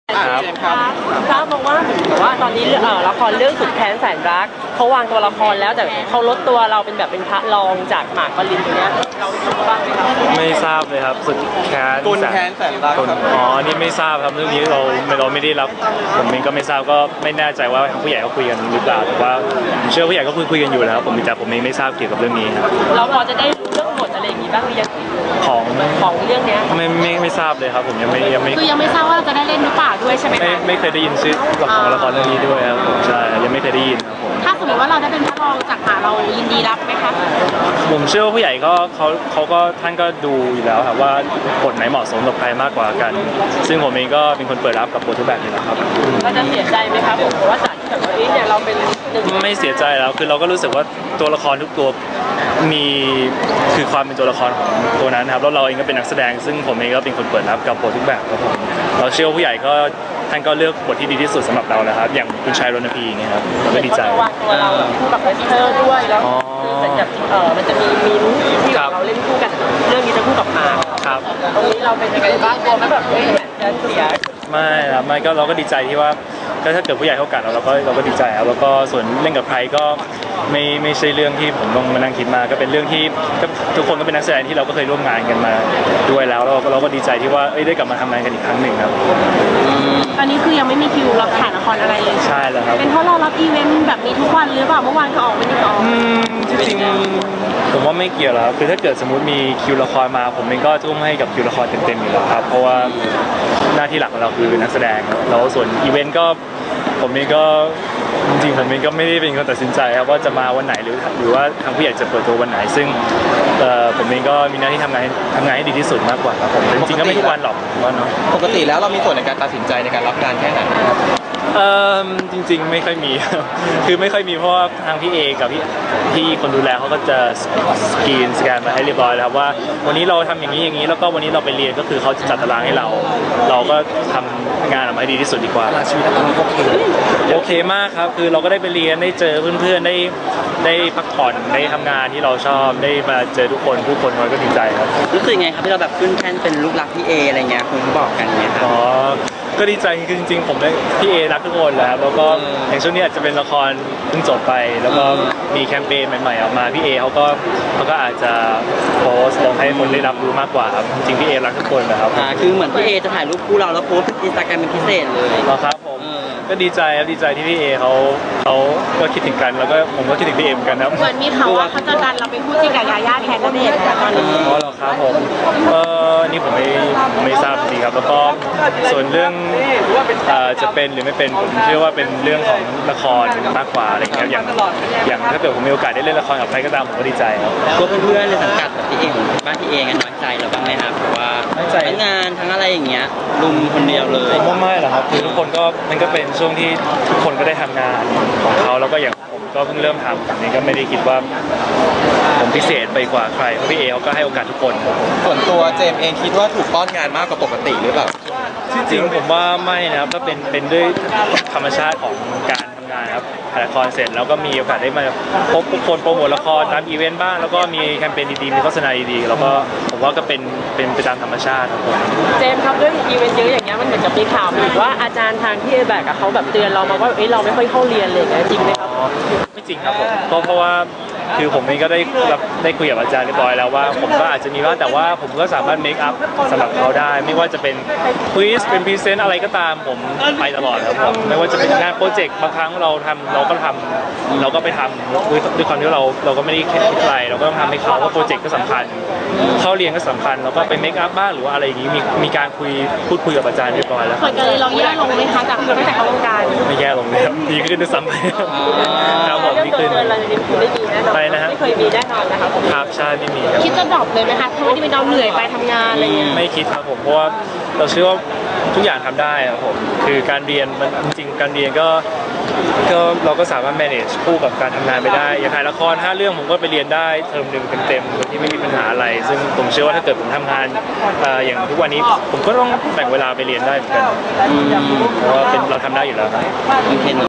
ทราบมาว่าตอนนี้ละครเรื่องสุดแค้นแสนรักเขาวางตัวละครแล้วแต่เขาลดตัวเราเป็นแบบเป็นพระรองจากหมากปรินตัวเนี้ยเรารู้บ้างไหมครับไม่ทราบเลยครับสุดแค้นกุนแค้นแสนรักครับอ๋อนี่ไม่ทราบครับเรื่องนี้เราไม่ได้รับผมเองก็ไม่ทราบก็ไม่แน่ใจว่าทางผู้ใหญ่เขาคุยกันหรือเปล่าแต่ว่าผมเชื่อผู้ใหญ่ก็คุยกันอยู่แล้วผมแต่ผมเองไม่ทราบเกี่ยวกับเรื่องนี้ครับเราพอจะได้เรื่องบทอะไรอย่างนี้บ้างหรือยังของเรื่องนี้ไม่ทราบเลยครับผมยังไม่คือยังไม่ทราบว่าจะได้เล่นหรือเปล่าด้วยใช่ไหมคะไม่เคยได้ยินชื่อละครเรื่องนี้ด้วยครับผมใช่ยังไม่เคยได้ยินครับผมถ้าสมมติว่าเราได้เป็นพระรองจากหาเรายินดีรับไหมคะผมเชื่อว่าผู้ใหญ่ก็เขาก็ท่านก็ดูอยู่แล้วครับว่าบทไหนเหมาะสมกับใครมากกว่ากันซึ่งผมเองก็เป็นคนเปิดรับกับบททุกแบบนี้แหละครับเราจะเสียใจไหมครับผมว่าจากที่แบบว่าเนี่ยเราเป็นไม่เสียใจแล้วคือเราก็รู้สึกว่าตัวละครทุกตัวมีคือความเป็นตัวละครของตัวนั้นครับแล้วเราเองก็เป็นนักแสดงซึ่งผมเองก็เป็นคนเปิดรับกับบททุกแบบครับผมเราเชื่อว่าผู้ใหญ่ก็ท่านก็เลือกบทที่ดีที่สุดสำหรับเราแล้วครับอย่างคุณชายรณพีเนี่ยครับเราก็ดีใจวางตัวเราคู่กับเธอด้วยแล้วเหมือนกับมันจะมีมิ้นที่เราเล่นคู่กันเรื่องนี้จะคู่กับหมากครับตรงนี้เราเป็นยังไงบ้างกลัวไหมแบบจะเสียไม่ครับไม่ก็เราก็ดีใจที่ว่าถ้าเกิดผู้ใหญ่เขากัดเราก็ดีใจครับแล้วก็ส่วนเล่นกับใครก็ไม่ใช่เรื่องที่ผมต้องมานั่งคิดมาก็เป็นเรื่องที่ทุกคนก็เป็นนักแสดงที่เราก็เคยร่วมงานกันมาด้วยแล้วเราก็ดีใจที่ว่าได้กลับมาทำงานกันอีกครั้งหนึ่งครับตอนนี้คือยังไม่มีคิวรับถ่ายละครอะไรเลยใช่แล้วครับเป็นเพราะเรารับอีเวนต์แบบนี้ทุกวันหรือเปล่าเมื่อวานก็ออกไม่ได้ออกจริงผมว่าไม่เกี่ยวแล้วคือถ้าเกิดสมมุติมีคิวละครมาผมเองก็ทุ่มให้กับคิวละครเต็มๆอยู่แล้วครับเพราะว่าหน้าที่หลักของเราคือนักแสดงแล้วส่วนอีเวนต์ก็ผมเองก็จริงๆผมเองก็ไม่ได้เป็นคนตัดสินใจครับว่าจะมาวันไหนหรือว่าทางผู้ใหญ่จะเปิดตัววันไหนซึ่งผมเองก็มีหน้าที่ทำงานให้ดีที่สุดมากกว่าครับผมจริงๆก็ไม่ทุกวันหรอกว่าเนาะปกติแล้วเรามีส่วนในการตัดสินใจในการรับงานแค่ไหนครับจริงๆไม่ค่อยมีคือไม่ค่อยมีเพราะว่าทางพี่เอกับพี่คนดูแลเขาก็จะสแกนมาให้เรียบร้อยแล้วครับว่าวันนี้เราทำอย่างนี้แล้วก็วันนี้เราไปเรียนก็คือเขาจะจัดตารางให้เราก็ทำงานออกมาให้ดีที่สุดดีกว่าชีวิตเราโอเคมากครับคือเราก็ได้ไปเรียนได้เจอเพื่อนๆได้พักผ่อนได้ทำงานที่เราชอบได้มาเจอทุกคนผู้คนก็ดีใจครับรู้สึกไงครับที่เราแบบขึ้นแท่นเป็นลูกรักพี่เออะไรเงี้ยคุณบอกกันเงี้ยครับก็ดีใจคือจริงๆผมได้พี่เอรักทุกคนแล้วก็อย่างช่วงนี้อาจจะเป็นละครเพิ่งจบไปแล้วก็มีแคมเปญใหม่ๆออกมาพี่เอเขาก็อาจจะโพสต์ลงให้คนได้รับรู้มากกว่าครับจริงๆพี่เอรักทุกคนนะครับคือเหมือนพี่เอจะถ่ายรูปคู่เราแล้วโพสต์อินสตาแกรมเป็นพิเศษเลยครับผมก็ดีใจที่พี่เอเขาก็คิดถึงกันแล้วก็ผมก็คิดถึงพี่เอเหมือนกันครับเหมือนมีข่าวว่าเขาจะดันเราไปพูดจริงกับยาย่าแทนนั่นเองตอนนี้อ๋อเหรอครับผมนี่ผมไม่ทราบจริงครับแล้วก็ส่วนเรื่องจะเป็นหรือไม่เป็นผมเชื่อว่าเป็นเรื่องของละครมากกว่าอะไรอย่างเงี้ยอย่างถ้าเกิดผมมีโอกาสได้เล่นละครกับใครก็ตามผมก็ดีใจครับก็เพื่อนๆในสังกัดแบบพี่เองบ้านพี่เองน้อยใจเราบ้างไหมครับเพราะว่าทั้งงานทั้งอะไรอย่างเงี้ยลุมคนเดียวเลยผมว่าไม่หรอกครับคือทุกคนก็มันก็เป็นช่วงที่ทุกคนก็ได้ทำงานของเขาแล้วก็อย่างผมก็เพิ่งเริ่มทำแบบนี้ก็ไม่ได้คิดว่าผมพิเศษไปกว่าใครเพราะพี่เอเขาก็ให้โอกาสทุกคนส่วนตัวเจมเองคิดว่าถูกป้อนงานมากกว่าปกติหรือเปล่าที่จริงผมว่าไม่นะครับก็เป็นด้วยธรรมชาติของการทำงานครับถ่ายละครเสร็จแล้วก็มีโอกาสได้มาพบทุกคนโปรโมทละครตามอีเวนต์บ้างแล้วก็มีแคมเปญดีๆมีโฆษณาดีๆแล้วก็ผมว่าก็เป็นไปตามธรรมชาติครับผมเจมครับด้วยอีเวนต์เยอะอย่างเงี้ยมันเหมือนกับมีข่าวมีว่าอาจารย์ทางที่แบกเขาแบบเตือนเรามาว่าเราไม่ค่อยเข้าเรียนเลยจริงไหมครับไม่จริงครับผมเพราะว่าคือผมเองก็ได้คุยกับอาจารย์เรียบร้อยแล้วว่าผมก็อาจจะมีบ้างแต่ว่าผมก็สามารถเมคอัพสำหรับเขาได้ไม่ว่าจะเป็นควิสเป็นพรีเซนต์อะไรก็ตามผมไปตลอดครับผมไม่ว่าจะเป็นงานโปรเจกต์บางครั้งเราก็ไปทำด้วยความที่เราก็ไม่ได้คิดอะไรเราก็ต้องทำให้เขาว่าโปรเจกต์ก็สำคัญเข้าเรียนก็สำคัญเราก็ไปเมคอัพบ้างหรือว่าอะไรอย่างนี้มีการพูดคุยกับอาจารย์เรียบร้อยแล้วส่วนกรณีเราแย่ลงไหมคะจากตั้งแต่เข้าวงการไม่แย่ลงเลยครับดีขึ้นด้วยซ้ำไปครับผมดีขึ้นไปนะฮะไม่เคยมีแน่นอนนะครับครับใช่ไม่มีคิดจะดรอปเลยไหมคะเพราะว่าที่เป็นเราเหนื่อยไปทำงานอะไรอย่างเงี้ยไม่คิดครับผมเพราะว่าเราเชื่อว่าทุกอย่างทำได้ครับผมคือการเรียนมันจริงๆการเรียนก็เราก็สามารถ manage คู่กับการทำงานไปได้อย่างถ่ายละคร5 เรื่องผมก็ไปเรียนได้เทอมหนึ่งเต็มๆโดยที่ไม่มีปัญหาอะไรซึ่งผมเชื่อว่าถ้าเกิดผมทำงานอย่างทุกวันนี้ผมก็ต้องแบ่งเวลาไปเรียนได้เหมือนกันเพราะว่าเราทำได้อยู่แล้ว